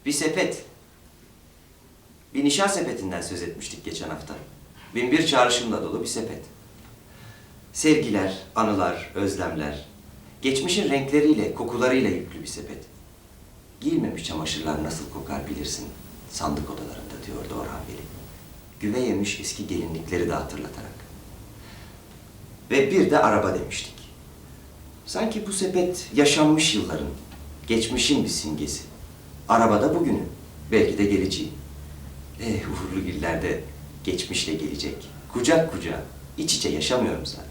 Bir sepet. Bir nişan sepetinden söz etmiştik geçen hafta. Binbir çağrışımla dolu bir sepet. Sevgiler, anılar, özlemler, geçmişin renkleriyle, kokularıyla yüklü bir sepet. Giyilmemiş çamaşırlar nasıl kokar bilirsin, sandık odalarında diyordu Orhan Veli. Güve yemiş eski gelinlikleri de hatırlatarak. Ve bir de araba demiştik. Sanki bu sepet yaşanmış yılların, geçmişin bir simgesi. Arabada bugünün, belki de geleceği. Uğurlu günlerde geçmişle gelecek, kucak kucağa, iç içe yaşamıyorum zaten.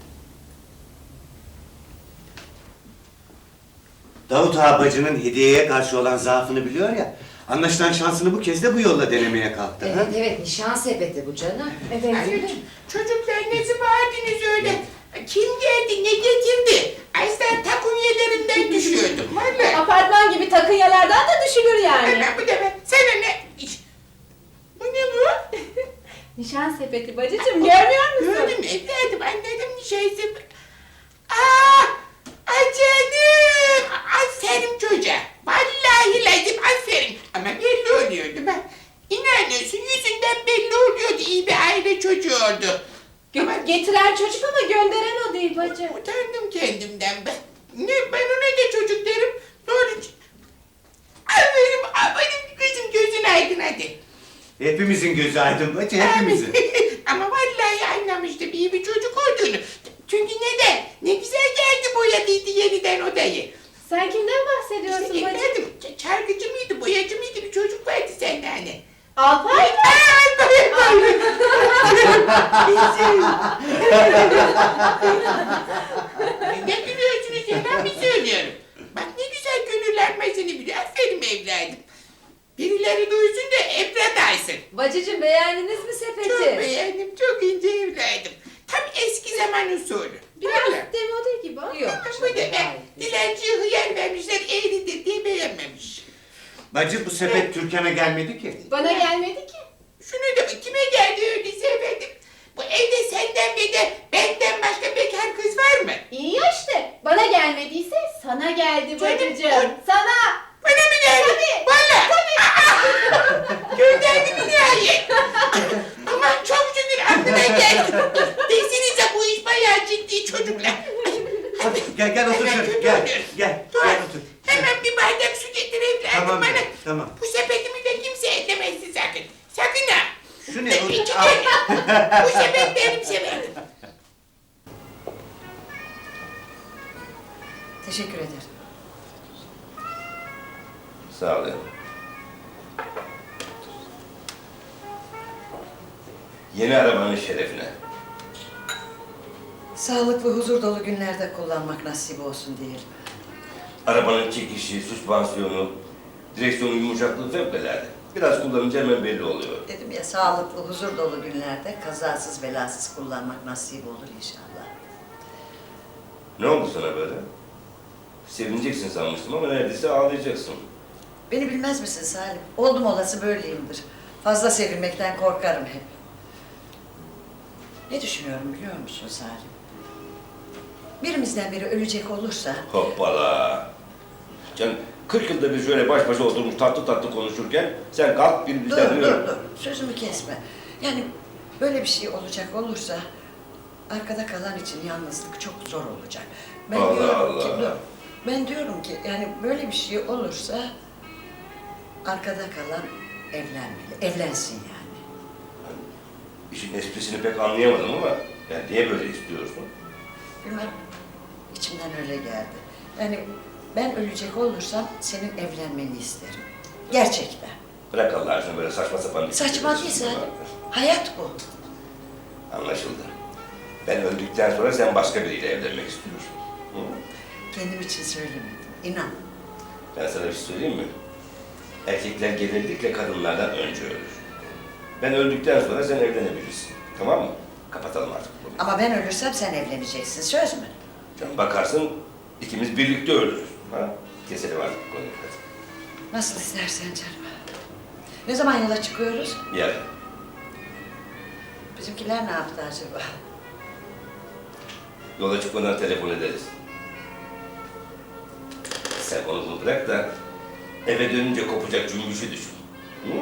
Davut Ağa bacının hediyeye karşı olan zaafını biliyor ya. Anlaşılan şansını bu kez de bu yolla denemeye kalktı. Evet, ha? evet, nişan sepeti bu canım. Evet. Çocuklar ne bağırdınız öyle? Kim geldi, ne getirdi? Aslan takunyelerimden düşüyordum valla. Apartman gibi takınyalardan da düşülür yani. Hemen bu defa, sana ne? Bu ne bu? Nişan sepeti bacıcığım, görmüyor musun? Gördüm evladım, anladım nişansı. Aa! Ay canım! Aferin çocuğa. Vallahi lazım aferin. Ama belli oluyordu ben. İnanıyorsun yüzünden belli oluyordu, iyi bir aile çocuğuydu. Ama Getiren çocuk ama gönderen o değil bacı. utandım kendimden ben. Ne, ben ona da çocuk derim. Sonra... Benim kızım gözün aydın hadi. Hepimizin gözü aydın bacı, hepimizin. Ama vallahi anlamıştım iyi bir çocuk olduğunu. Çünkü neden? Ne güzel geldi boyadıydı yeniden odayı. Sen kimden bahsediyorsun İşte bacı? evladım, çarkıcı mıydı, boyacı mıydı bir çocuk vardı sende hani. Alpay mı? Ne gülüyorsunuz ya, ben mi söylüyorum? Bak ne güzel gönüllenmesini biliyor, aferin evladım. Birileri duysun da ebret alsın. Bacıcığım beğendiniz mi sepeti? Çok beğendim, çok ince evladım. Tam eski zaman usulü. Biraz Vallahi. demode gibi ama. Yok. Bu da ben dilenciye hıyar vermişler, eğridir diye beğenmemiş. Bacı bu sepet Türkan'a gelmedi ki. Bana gelmedi ki. Şunu da bak, kime geldi öyleyse efendim? Bu evde senden ve de benden başka bekar kız var mı? İyi ya işte. Bana gelmediyse sana geldi Canım, bacıcığım. Sana. Bana mı geldi? Tabii. Valla. Gönderdi mi nihayet? Aman çok şükür aklına geldi. Desinize bu iş bayağı ciddi çocuklar. Hadi gel otur Hemen şöyle, kötü gel, oluyor. gel Dur. otur. Hemen bir bardak su getir evladım Tamam, bana. tamam. Bu sepetimi de kimse ellemezsin sakın. Sakın ha. Şu ne? İki Al. tane. Bu sepet benim sepetim. Teşekkür ederim. Sağ olun. Yeni arabanın şerefine. Sağlıklı, huzur dolu günlerde kullanmak nasip olsun diyelim. Arabanın çekişi, süspansiyonu, direksiyonun yumuşaklığı fevkalade. Biraz kullanınca hemen belli oluyor. Dedim ya, sağlıklı, huzur dolu günlerde kazasız belasız kullanmak nasip olur inşallah. Ne oldu sana böyle? Sevineceksin sanmıştım ama neredeyse ağlayacaksın. Beni bilmez misin Salim? Oldum olası böyleyimdir. Fazla sevinmekten korkarım hep. Ne düşünüyorum biliyor musun Salim? Birimizden biri ölecek olursa... Hoppala! Can 40 yılda bir şöyle baş başa oturmuş tatlı tatlı konuşurken sen kalk bir Dur, bizden dur. Sözümü kesme. Yani böyle bir şey olacak olursa... arkada kalan için yalnızlık çok zor olacak. Allah diyorum ki, Allah. dur. Ben diyorum ki yani böyle bir şey olursa... arkada kalan evlenmeli. Evlensin yani. İşin esprisini pek anlayamadım ama yani niye böyle istiyorsun? Bilmem. İçimden öyle geldi. Yani ben ölecek olursam senin evlenmeni isterim. Gerçekten. Bırak Allah aşkına böyle saçma sapan bir Saçma değil Salim. Hayat bu. Anlaşıldı. Ben öldükten sonra sen başka biriyle evlenmek istiyorsun. Hı? Kendim için söylemedim. İnan. Ben sana bir şey söyleyeyim mi? Erkekler genellikle kadınlardan önce ölür. Ben öldükten sonra sen evlenebilirsin. Tamam mı? Kapatalım artık bunu. Ama ben ölürsem sen evleneceksin. Söz mü? Canım bakarsın ikimiz birlikte ölürüz. Ha? Keselim artık bu konuyu. Hadi. Nasıl istersen canım. Ne zaman yola çıkıyoruz? Yarın. Bizimkiler ne yaptı acaba? Yola çıkmadan telefon ederiz. Sen onu bunu bırak da Eve dönünce kopacak cümbüşü düşün. Hı?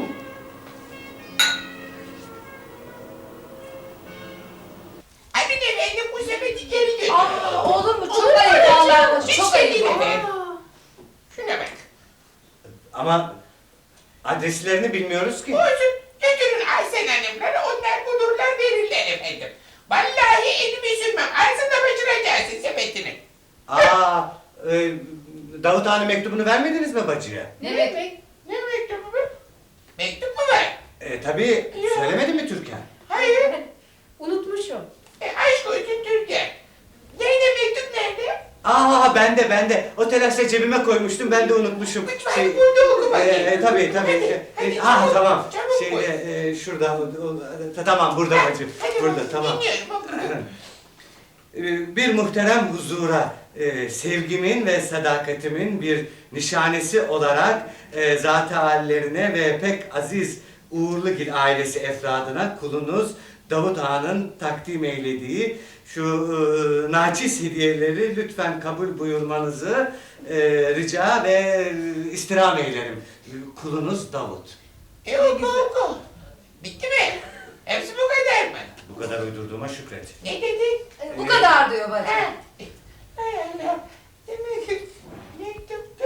Aman efendim bu sepeti geri götürün. Olur mu? Çok ayıp vallahi. Hiç Çok de ayıp. değil efendim. Şuna bak. Ama adreslerini bilmiyoruz ki. Olsun götürün Aysen Hanımlara onlar bulurlar verirler efendim. Vallahi elimi sürmem. Ağzında başıracaksın sepetini. Aa, Davut Ağa'nın mektubunu vermediniz mi bacıya? Ne demek? Ne mektubu bu? Mektup mu var? Tabii, söylemedi mi Türkan? Hayır. Unutmuşum. Aşk olsun Türkiye. Nerede mektup nerede? Aa, bende. O telaşla cebime koymuştum, ben de unutmuşum. Lütfen burada oku bakayım. Tabii. Hadi, Tamam. çabuk koy. Şurada, tamam burada bacı. Hadi Burada, bakalım, tamam. dinliyorum, oku. Bir muhterem huzura, sevgimin ve sadakatimin bir nişanesi olarak zat-ı hallerine ve pek aziz Uğurlugil ailesi efradına kulunuz Davut Ağa'nın takdim eylediği şu naçiz hediyeleri lütfen kabul buyurmanızı rica ve istirham eylerim. Kulunuz Davut. Oku. Bitti mi? Hepsi bu kadar mı? Bu kadar uydurduğuma şükret. Ne dedin? Bu kadar diyor bacı. Ha. Hay Allah. Demek ki mektupta.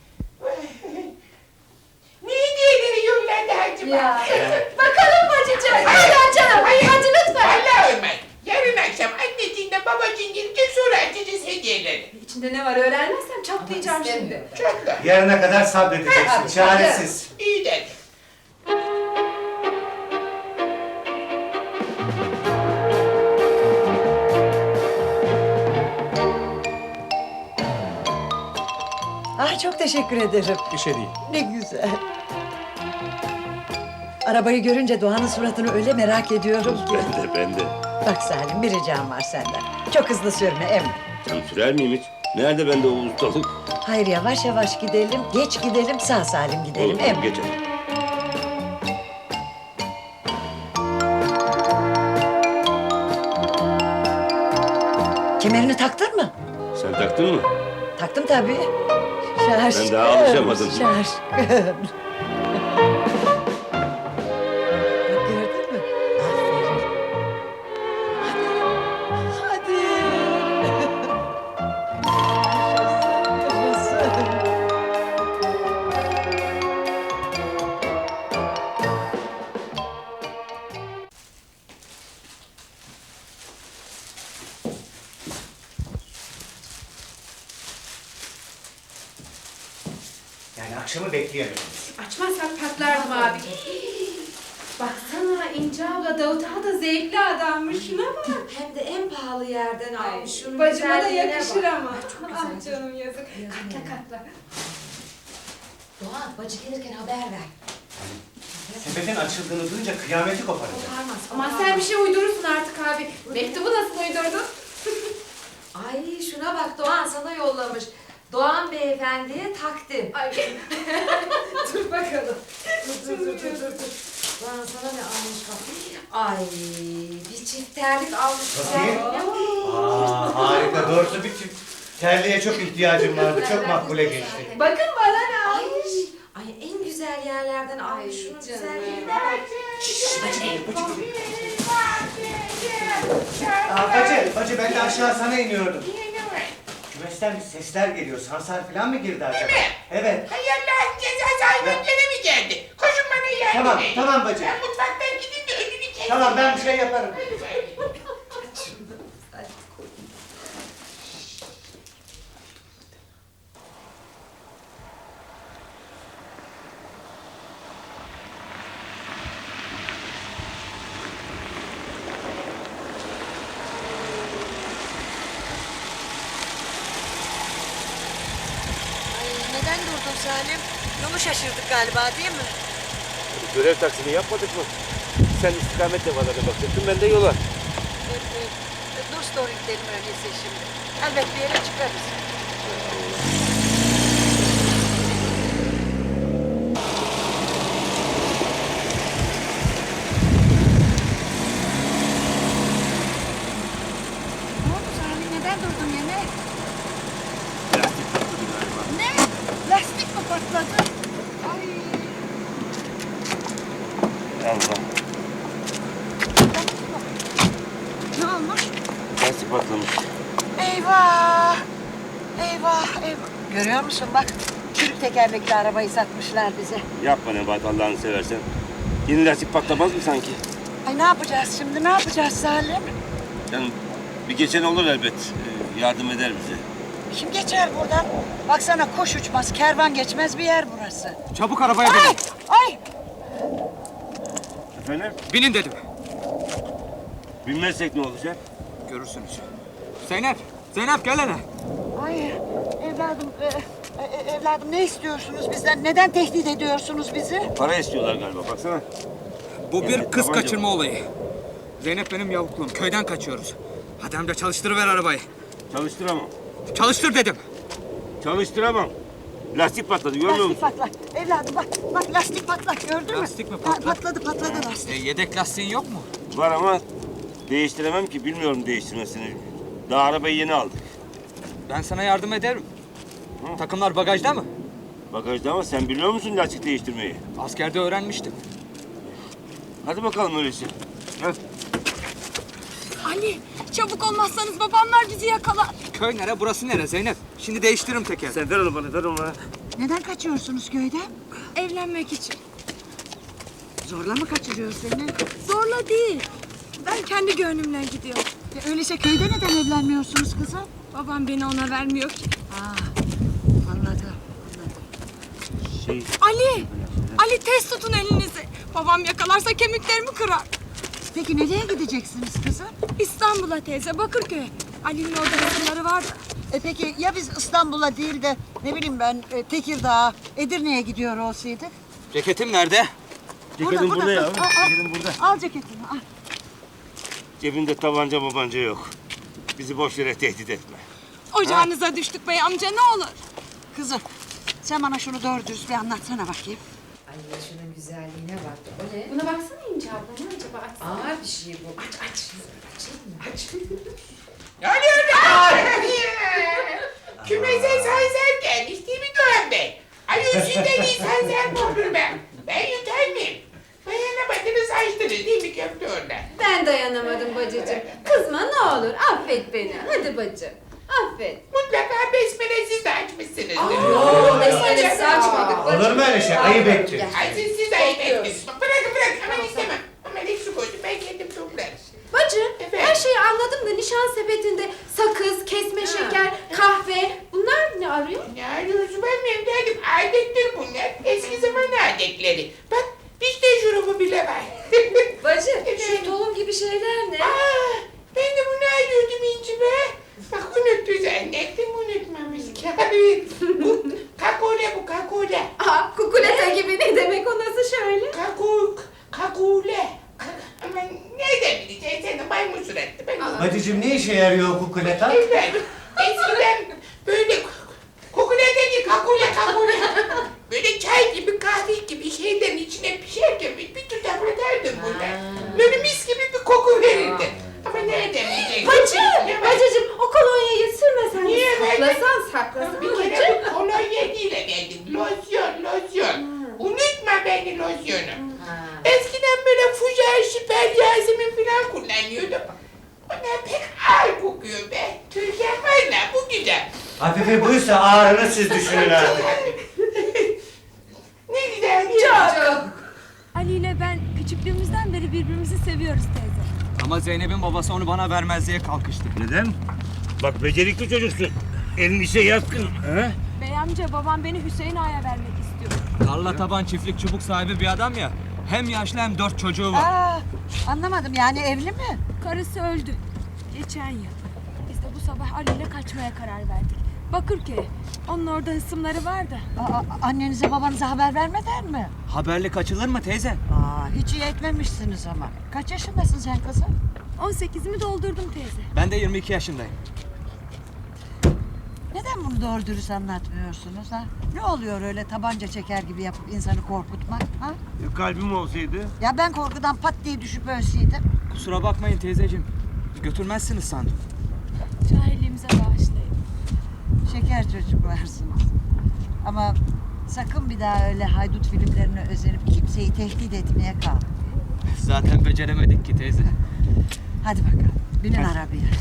Ne hediyeleri yolladı acaba? Ya. Bakalım bacıcığım. Hadi açalım. Hadi lütfen. Vallahi olmaz. Yarın akşam anneciğinle babacığın gelecek sonra açacağız hediyeleri. İçinde ne var öğrenmezsem çatlayacağım şimdi. Çok da. Yarına kadar sabredeceksin, Hadi, çaresiz. İyi dedi. Ah çok teşekkür ederim. Bir şey değil. Ne güzel. Arabayı görünce Doğan'ın suratını öyle merak ediyorum ki. Ben de. Bak Salim bir ricam var senden. Çok hızlı sürme emmi. Sen sürer miyim hiç? Nerede bende o ustalık? Hayır yavaş yavaş gidelim, geç gidelim, sağ salim gidelim Olur, emmi. geçelim. Kemerini taktın mı? Sen taktın mı? Taktım tabii. Şaşkın. Ben daha alışamadım. Şaşkın. Bak gördün mü? Aferin. Hadi. Yaşasın, yaşasın. Yani akşamı bekleyemeyiz. Açmazsak patlardım abi. Baksana İnce abla Davut Ağa da zevkli adammış. Şuna bak. Hem de en pahalı yerden almış. Şunun Bacıma da güzelliğine yakışır bak. ama. Çok Ah güzel. canım yazık. Katla katla. Doğan bacı gelirken haber ver. Sepetin açıldığını duyunca kıyameti koparacak. Koparmaz. Aman sen bir şey uydurursun artık abi. Mektubu nasıl uydurdun? Ay şuna bak Doğan sana yollamış. Doğan beyefendiye takdim. Ay. Dur bakalım. Dur. Doğan sana ne almış bak. Ay bir çift terlik almış. Bakayım. Harika. Doğrusu bir çift terliğe çok ihtiyacım vardı. Çok makbule geçti. Bakın bana ne almış. Ay en güzel yerlerden almış. Ay, Şunun canım. güzelliğine bak. Bacı ben de aşağı sana iniyordum. Yine ne var? Kümesten bir sesler geliyor. Sansar falan mı girdi acaba? Değil mi? Evet. Hay Allah'ın cezası hayvan gene mi geldi? Koşun bana yardım Tamam, edin. tamam bacı. Ben mutfaktan gideyim de önünü keseyim. Tamam ben bir şey yaparım. Ay, neden durdun Salim? Yolu şaşırdık galiba değil mi? Görev taksimi yapmadık mı? Sen istikametle bana bakacaktın, ben de yola. Dur story gidelim öyleyse şimdi. Elbet bir yere çıkarız. Ne oldu Sami? Neden durdun yine? Lastik patladı galiba. Ne? Lastik mi patladı? Allah. Ne olmuş? Lastik patlamış. Eyvah! Eyvah, eyvah. Görüyor musun bak, çürük tekerlekli arabayı satmışlar bize. Yapma Nebahat Allah'ını seversen. Yeni lastik patlamaz mı sanki? Ay ne yapacağız şimdi, ne yapacağız Salim? Canım bir geçen olur elbet. Yardım eder bize. Kim geçer buradan? Baksana kuş uçmaz, kervan geçmez bir yer burası. Çabuk arabaya Ay! binin. Ay! Efendim? Binin dedim. Bilmezsek ne olacak? Görürsünüz. Zeynep, Zeynep gel hele. Ay evladım, evladım ne istiyorsunuz bizden? Neden tehdit ediyorsunuz bizi? Para istiyorlar galiba baksana. Bu bir Evet, kız tabanca kaçırma olayı. Zeynep benim yavukluğum. Köyden kaçıyoruz. Hadi amca çalıştırıver arabayı. Çalıştıramam. Çalıştır dedim. Çalıştıramam. Lastik patladı görmüyor Lastik musun? patlak. Evladım bak, bak lastik patlak gördün mü? Lastik mi Ha, patlak? patladı lastik. Yedek lastiğin yok mu? Var ama değiştiremem ki bilmiyorum değiştirmesini. Daha arabayı yeni aldık. Ben sana yardım ederim. Takımlar bagajda mı? Bagajda ama sen biliyor musun lastik değiştirmeyi? Askerde öğrenmiştim. Hadi bakalım öyleyse. Gel. Ali çabuk olmazsanız babamlar bizi yakalar. Köy nere, burası nere Zeynep? Şimdi değiştiririm teker. Sen ver onu bana, ver onu bana. Neden kaçıyorsunuz köyden? Evlenmek için. Zorla mı kaçırıyor seni? Zorla değil. Ben kendi gönlümle gidiyorum. Öyleyse köyde neden evlenmiyorsunuz kızım? Babam beni ona vermiyor ki. Anladım. Ali! Ali tez tutun elinizi. Babam yakalarsa kemiklerimi kırar. Peki nereye gideceksiniz kızım? İstanbul'a teyze, Bakırköy'e. Ali'nin orada resimleri var da. Peki ya biz İstanbul'a değil de ne bileyim ben Tekirdağ, Edirne'ye gidiyor olsaydık? Ceketim nerede? Ceketin burada ya. Al, al. Ceketin burada. Al ceketini al. Cebinde tabanca mabanca yok. Bizi boş yere tehdit etme. Ocağınıza düştük bey amca ne olur. Kızım sen bana şunu doğru dürüst bir anlatsana bakayım. Ay şunun güzelliğine bak. O ne? Buna baksana İnce abla ne acaba açsana. Ağır bir şey bu. Aç. Ne oluyor lan? Kümese sanser gelmiş değil mi Doğan Bey? Ay yüzünden iyi sanser mi olur ben? Ben yutar mıyım? Dayanamadınız açtınız değil mi köfte orada? Ben dayanamadım bacıcığım. Kızma ne olur. Affet beni. Hadi bacım. Affet. Mutlaka besmele siz de açmışsınızdır. Yok besmelesiz açmadık bacım. Olur mu öyle şey? Ayıp ettin. Ay siz ayıp ettiniz. Bırakın aman istemem. Aman hiç su koydum ben kendim toplarım. Bacı, Efendim? her şeyi anladım da nişan sepetinde sakız, kesme şeker, kahve bunlar ne arıyor? Ne arıyorsun ben benim derdim adettir bunlar. Eski zaman adetleri. Bak işte şurubu bile var. Bacı, Efendim? şu tohum gibi şeyler ne? Ben de bunu arıyordum İnci be. Bak unuttu zannettim unutmamış. Bu kakule bu kakule. Aa, kukuleta gibi ne demek o nasıl şöyle? Kakule. Ama nereden bileceksin sen de maymun suratlı. Ben Bacıcığım ne işe yarıyor kukuleta? Efendim, eskiden böyle kukuleta değil kakule. Böyle çay gibi kahve gibi şeylerin içine pişerken bir tutam atardım bunlar. Böyle mis gibi bir koku verirdi. Ama nereden bileceksin? Bacıcığım o kolonyayı sürmesen Niye de ben- saklasan Bir bacı. kere bu kolonya değil efendim. Losyon. Unutma beni losyonu. Eskiden böyle Fujar, Şiper, Yasemin falan kullanıyordum. Onlar pek ağır kokuyor be. Türkan valla bu güzel. Hafife buysa ağrını siz düşünün artık. Ne güzel. Çok. Ali ile ben küçüklüğümüzden beri birbirimizi seviyoruz teyze. Ama Zeynep'in babası onu bana vermez diye kalkıştı. Neden? Bak becerikli çocuksun. Elin işe yatkın. He? Bey amca babam beni Hüseyin Ağa'ya vermek istiyor. Tarla taban çiftlik çubuk sahibi bir adam ya. Hem yaşlı hem 4 çocuğu var. Anlamadım yani evli mi? Karısı öldü. Geçen yıl. Biz de bu sabah Ali ile kaçmaya karar verdik. Bakırköy'e. Onun orada hısımları var da. Annenize babanıza haber vermeden mi? Haberli kaçılır mı teyze? Hiç iyi etmemişsiniz ama. Kaç yaşındasın sen kızım? 18'imi doldurdum teyze. Ben de 22 yaşındayım. Neden bunu doğru dürüst anlatmıyorsunuz ha? Ne oluyor öyle tabanca çeker gibi yapıp insanı korkutmak ha? Kalbim olsaydı. Ya ben korkudan pat diye düşüp ölseydim? Kusura bakmayın teyzeciğim. Götürmezsiniz sandım. Cahilliğimize bağışlayın. Şeker çocuklarsınız. Ama sakın bir daha öyle haydut filmlerine özenip kimseyi tehdit etmeye kalkmayın. Zaten beceremedik ki teyze. Hadi bakalım. Binin arabaya.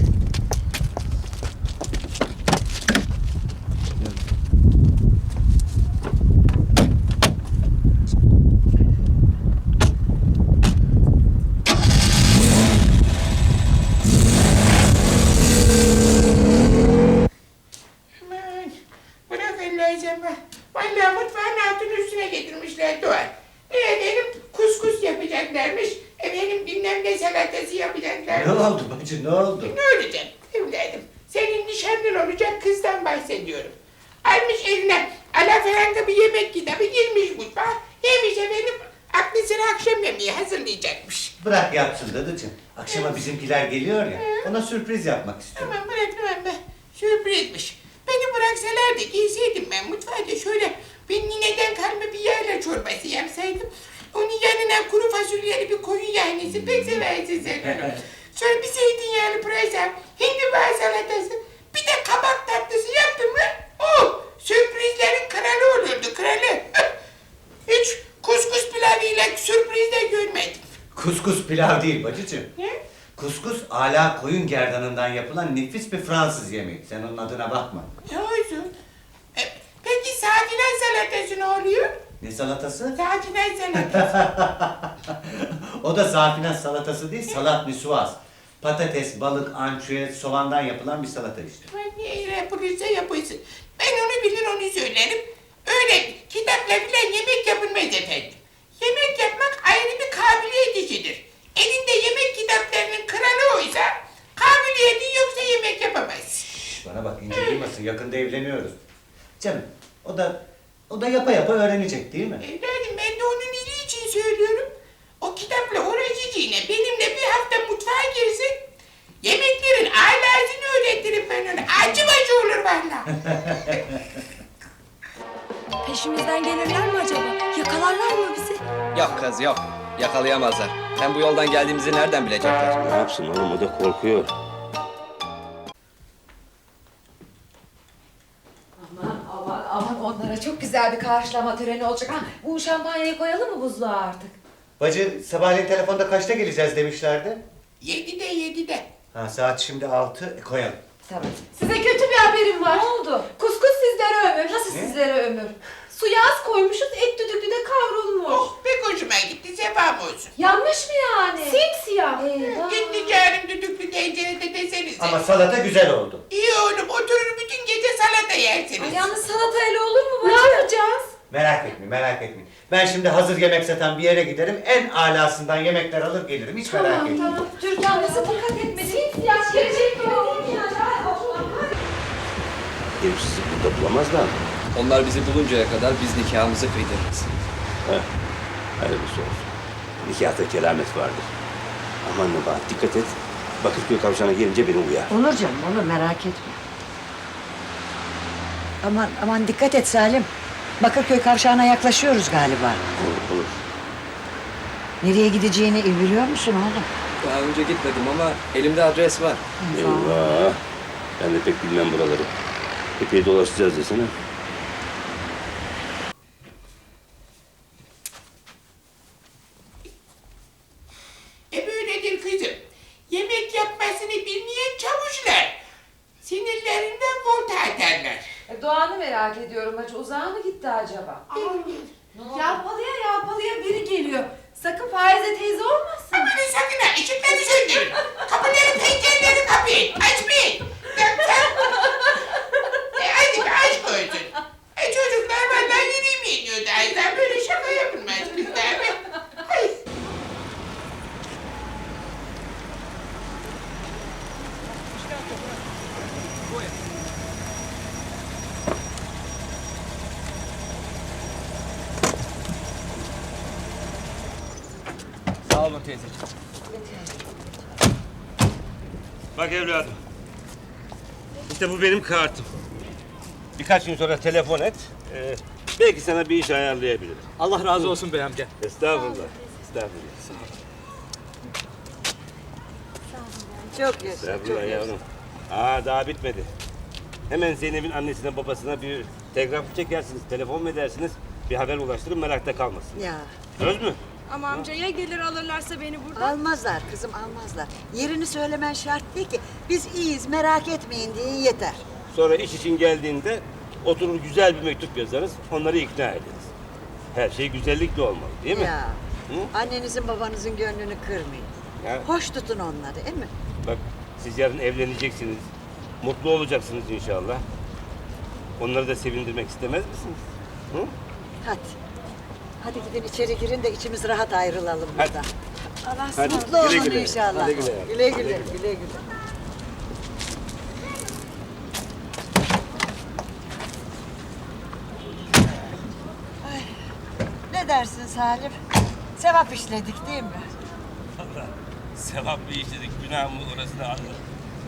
Aman bırak Allah'ı ama. Vallahi mutfağın altını üstüne getirmişler Doğan. Benim kuskus yapacaklarmış. Efendim bilmem ne salatası yapacaklarmış. Ne oldu bacı ne oldu? Ne olacak evladım? Senin nişanlın olacak kızdan bahsediyorum. Almış eline alafranga bir yemek kitabı girmiş mutfağa. Yemiş efendim aklı sıra akşam yemeği hazırlayacakmış. Bırak yapsın dadıcığım. Akşama bizimkiler geliyor ya. Ona sürpriz yapmak istiyorum. Tamam bırak be. Sürprizmiş. Beni bıraksalar da giyseydim ben mutfağda şöyle bir nineden kalma bir yayla çorbası yapsaydım. Onun yanına kuru fasulyeli bir koyun yahnesi pek seversin sen onu. Sonra bir zeytinyağlı pırasa, hindiba salatası, bir de kabak tatlısı yaptım mı? Oh! Sürprizlerin kralı olurdu kralı. Hiç kuskus pilavıyla sürpriz de görmedim. Kuskus pilav değil bacıcığım. Ne? Kuskus ala koyun gerdanından yapılan nefis bir Fransız yemeği. Sen onun adına bakma. Ne olsun? Peki sakiler salatası ne oluyor? Ne salatası? Sakiler salatası. O da safinaz salatası değil, salat nisuaz. Patates, balık, ançüez, soğandan yapılan bir salata işte. Ne yapılırsa yapılsın. Ben onu bilir onu söylerim. Öyle kitapla bile yemek yapılmaz efendim. Yemek yapmak ayrı bir kabiliyet işidir. Elinde yemek kitaplarının kralı oysa kabiliyetin yoksa yemek yapamaz. Bana bak ince duymasın, yakında evleniyoruz. Canım, o da yapa yapa öğrenecek değil mi? Evladım ben de onun iyiliği için söylüyorum. O kitapla uğraşacağına benimle bir hafta mutfağa girsin. Yemeklerin alasını öğretirim ben ona. Acı bacı olur valla. Peşimizden gelirler mi acaba? Yakalarlar mı bizi? Yok kız yok. Yakalayamazlar. Hem bu yoldan geldiğimizi nereden bilecekler? Ne yapsın oğlum o da korkuyor. Aman onlara çok güzel bir karşılama töreni olacak. Ha, bu şampanyayı koyalım mı buzluğa artık? Bacı, sabahleyin telefonda kaçta geleceğiz demişlerdi. 7'de. Ha, saat şimdi 6, koyalım. Tamam. Size kötü bir haberim var. Ne oldu? Kuskus sizlere ömür. Nasıl Ne? sizlere ömür? Suya az koymuşuz, et düdüklü de kavrulmuş. Oh pek hoşuma gitti sefam olsun. Yanmış mı yani? Simsiyah. Gitti canım düdüklü tencerede desenize. Ama salata güzel oldu. İyi oğlum oturur bütün gece salata yersiniz. Yalnız salatayla olur mu bacım? Ne yapacağız? Merak etmeyin. Ben şimdi hazır yemek satan bir yere giderim. En alasından yemekler alır gelirim. Hiç merak etmeyin. Tamam. Türkan nasıl dikkat etmedi? Simsiyah gelecek mi? Herif sizi burada bulamaz da. Onlar bizi buluncaya kadar biz nikahımızı kıydırırız. Hayırlısı olsun. Nikahta keramet vardır. Aman Nebahat dikkat et. Bakırköy kavşağına gelince beni uyar. Olur canım olur merak etme. Aman dikkat et Salim. Bakırköy kavşağına yaklaşıyoruz galiba. Olur. Nereye gideceğini biliyor musun oğlum? Daha önce gitmedim ama elimde adres var. Eyvah. Ben de pek bilmem buraları. Epey dolaşacağız desene. Böyledir kızım. Yemek yapmasını bilmeyen çavuşlar. Sinirlerinden volta atarlar. Doğan'ı merak ediyorum bacı. Uzağa mı gitti acaba? Yalpalıya biri geliyor. Sakın Faize teyze olmasın. Aman sakın ha ışıkları söndürün. Kapıları pencereleri kapayın. Açmayın. Hadi be aşk olsun. Çocuklar vallahi yürüymeyin diyordu. Aydan böyle şaka yapılmaz kızlar be. Ay. Sağ olun teyzeciğim. Bak evladım. İşte bu benim kartım. Birkaç gün sonra telefon et. Belki sana bir iş ayarlayabilirim. Allah razı olsun bey amca. Estağfurullah. Çok yaşa. Estağfurullah yavrum. Daha bitmedi. Hemen Zeynep'in annesine babasına bir telgraf çekersiniz, telefon mu edersiniz? Bir haber ulaştırın merakta kalmasın. Ya Söz mü? Ama amca ya gelir alırlarsa beni buradan? Almazlar kızım, almazlar. Yerini söylemen şart değil ki. Biz iyiyiz, merak etmeyin diye yeter. Sonra iş için geldiğinde oturur güzel bir mektup yazarız, onları ikna ederiz. Her şey güzellikle olmalı değil mi? Ya, Hı? annenizin babanızın gönlünü kırmayın. Ya. Hoş tutun onları, değil mi? Bak siz yarın evleneceksiniz, mutlu olacaksınız inşallah. Onları da sevindirmek istemez misiniz? Hı? Hadi. Hadi gidin içeri girin de içimiz rahat ayrılalım Hadi. buradan. Hadi, Mutlu güle olun güle. inşallah. Güle güle yavrum. Güle güle, güle güle. Ay, ne dersin Salim? Sevap işledik değil mi? Sevap bir işledik, günah mı orasını anladım.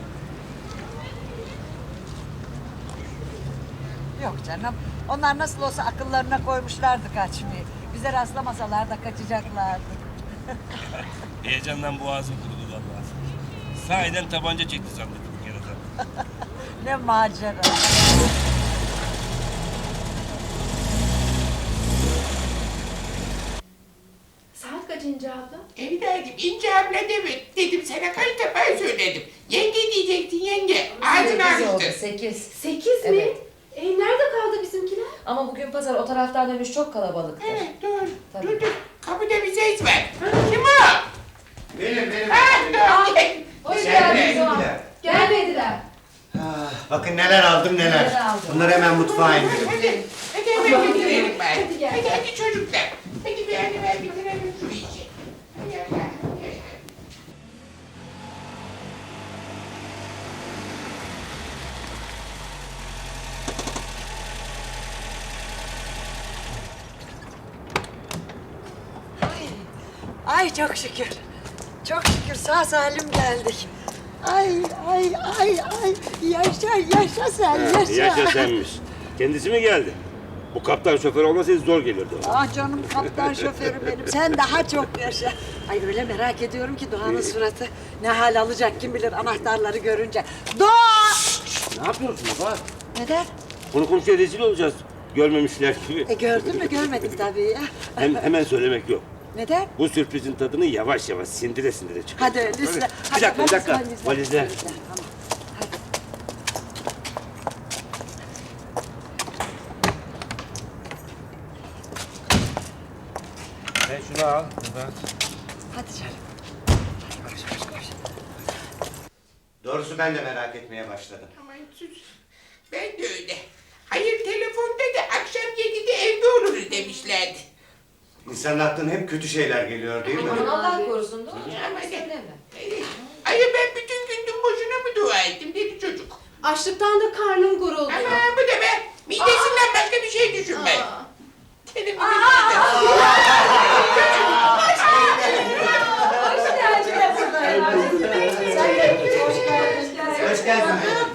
Yok canım. Onlar nasıl olsa akıllarına koymuşlardı kaçmayı. Bize rastlamasalar da kaçacaklardı. Heyecandan boğazım kurudu vallahi. Sahiden tabanca çekti sandık bir kere de. Ne macera. Saat kaçıncı abla? Evladım İnce abla deme. Dedim sana kaç defa söyledim. Yenge diyecektin yenge. Ağzını açtı. 8. 8 mi? Evet. Nerede kaldı bizimkiler? Ama bugün pazar o taraftan dönüş çok kalabalıktır. Evet doğru. Tabii. Dur dur. Kapıda bir ses var. Kim o? Benim. Ha dur. Gel. Hoş Gelmediler. geldiniz o an. Gelmediler. Ah, bakın neler aldım neler. Neler aldın? Bunları hemen mutfağa indirin. Hadi hemen bitirelim bari. Hadi gel. Hadi çocuklar. Hadi bir an evvel bitirelim şu işi. Hadi Allah. Ay çok şükür. Çok şükür sağ salim geldik. Ay. Yaşa sen yaşa. Yaşa senmiş. Kendisi mi geldi? Bu kaptan şoför olmasaydı zor gelirdi ona. Ah canım kaptan şoförü benim. Sen daha çok yaşa. Ay öyle merak ediyorum ki Doğan'ın suratı ne hal alacak kim bilir anahtarları görünce. Doğa! Ne yapıyorsun baba? Neden? Konu komşuya rezil olacağız. Görmemişler gibi. Gördün mü görmedim tabii ya. Hemen söylemek yok. Neden? Bu sürprizin tadını yavaş yavaş sindire sindire çıkar. Hadi öyleyse. Bir dakika. Valizler. Tamam. Sen şunu al. Hadi canım. Doğrusu ben de merak etmeye başladım. Aman sus. Ben de öyle. Hayır telefonda da akşam 7'de evde oluruz demişlerdi. İnsanın aklına hep kötü şeyler geliyor değil mi? Aman Allah korusun da. Ama ne? Söyleme. Ay ben bütün gün dün boşuna mı dua ettim dedi çocuk. Açlıktan da karnım gurulduyor. Ama bu da be. Midesinden başka bir şey düşünme. Senin bir Hoş geldin.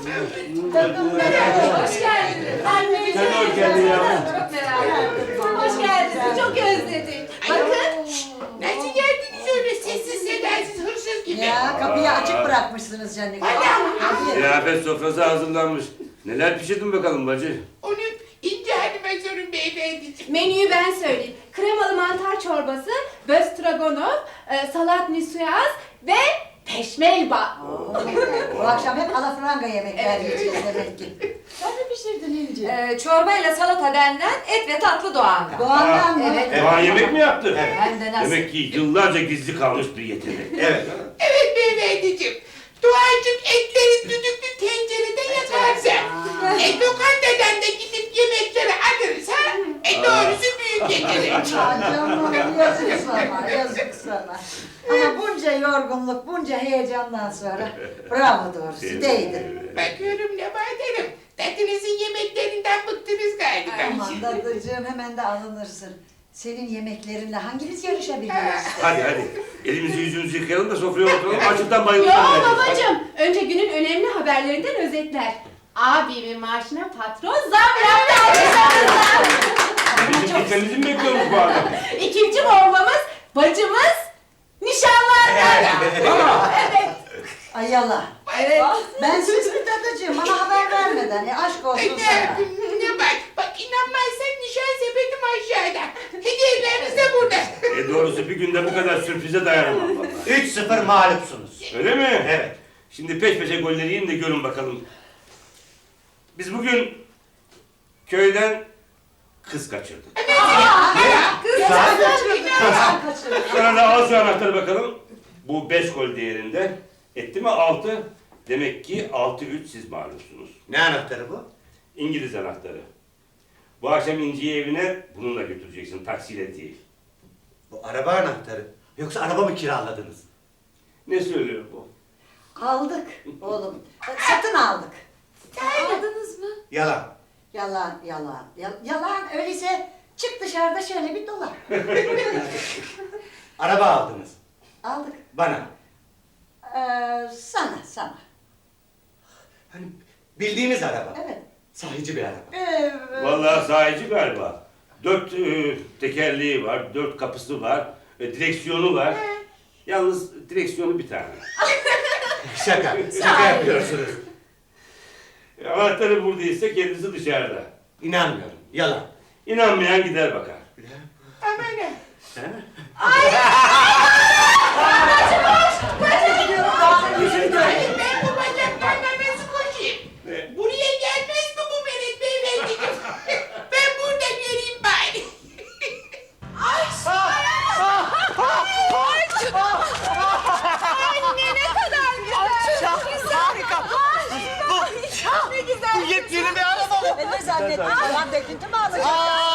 Hoş geldiniz. Anneciğim. Sen de hoş geldin yavrum. Çok merak ettim. Hoş geldiniz. Çok özledik. Bakın. Nasıl geldiniz öyle sessiz sedasız hırsız gibi? Ya kapıyı açık bırakmışsınız canım. Ziyafet sofrası hazırlanmış. Neler pişirdin bakalım bacı? Onu İnce Hanım'a sorun beyefendiciğim. Menüyü ben söyleyeyim. Kremalı mantar çorbası, böstragonov, salat nisuaz ve peşmelba. Bu akşam hep alafranga yemekler yiyeceğiz demek ki. Sen mi pişirdin İnci? Çorbayla salata benden et ve tatlı Doğan'dan. Doğan'dan mı? Evet. Doğan yemek mi yaptı? Hem de nasıl? Demek ki yıllarca gizli kalmış bir yetenek. Evet. Evet beyefendiciğim. Doğacık etleri düdüklü tencerede yaparsa, lokantadan da gidip yemekleri alırsa, doğrusu büyük yetenek. Canım yazık sana, yazık sana. Ama bunca yorgunluk, bunca heyecandan sonra bravo doğrusu değdi. Bakıyorum Nebahat Hanım, tatlınızın yemeklerinden bıktınız galiba. Aman dadıcığım hemen de alınırsın. Senin yemeklerinle hangimiz yarışabiliriz? Hadi. Elimizi yüzümüzü yıkayalım da sofraya oturalım. Açlıktan bayılırız. Yo babacığım. Önce günün önemli haberlerinden özetler. Abimin maaşına patron zam yaptı alkışlarınızla. Bizim gitmemizi mi bekliyormuş bu adam? İkinci bombamız bacımız nişanlandı. Evet. Ay yala. Evet. Ben siz mi dadıcığım bana haber vermeden aşk olsun sana. Ne bak inanmazsan nişan sepetim aşağıda. Hediyelerimiz de burada. Doğrusu bir bir günde bu kadar sürprize dayanamam vallahi. 3-0 mağlupsunuz. Öyle mi? Evet. Şimdi peş peşe golleri yiyin de görün bakalım. Biz bugün köyden kız kaçırdık. Sonra da al şu anahtarı bakalım. Bu 5 gol değerinde. Etti mi 6? Demek ki 6-3 siz mağlupsunuz. Ne anahtarı bu? İngiliz anahtarı. Bu akşam İnci'yi evine bununla götüreceksin, taksiyle değil. Bu araba anahtarı. Yoksa araba mı kiraladınız? Ne söylüyor bu? Aldık oğlum. Satın aldık. Aldınız mı? Yalan. Yalan, yalan. Yalan öyleyse çık dışarıda şöyle bir dolan. Araba aldınız. Aldık. Bana. Sana. Hani bildiğimiz araba. Evet. Sahici bir araba. Vallahi sahici galiba. 4 tekerleği var, 4 kapısı var, direksiyonu var. Yalnız direksiyonu bir tane. Şaka yapıyorsunuz. Anahtarı buradaysa kendisi dışarıda. İnanmıyorum. Yalan. İnanmayan gider bakar. Aman ben bu bacaklarla nasıl koşayım? Buraya gelmez mi bu Mehmet Beyefendiciğim? Ben burada göreyim bari. Anne ne kadar güzel. Harika. Ne güzel. Bu yepyeni bir araba mı? Ne zannettin? Falan döküntü mü alacak?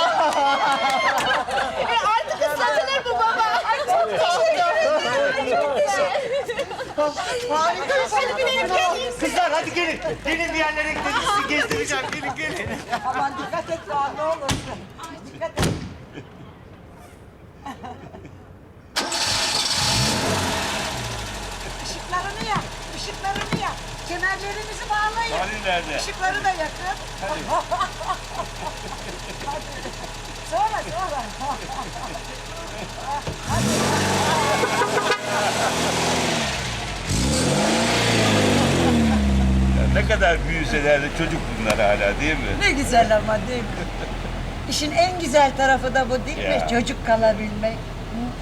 Artık ıslatılır bu baba. Ay çok teşekkür ederim. Çok teşekkür ederim. Harika. Hadi binelim gelin. Kızlar hadi gelin. Gelin bir yerlere gidelim. Sizi gezdireceğim. Gelin. Aman dikkat et Doğan ne olursun. Dikkat et. Işıklarını yak, ışıklarını yak. Kemerlerinizi bağlayın. Halil nerede? Işıkları da yakın. Hadi. Sonra. Ne kadar büyüseler de çocuk bunlar hala değil mi? Ne güzel ama değil mi? İşin en güzel tarafı da bu değil Ya. mi? Çocuk kalabilmek. Hı?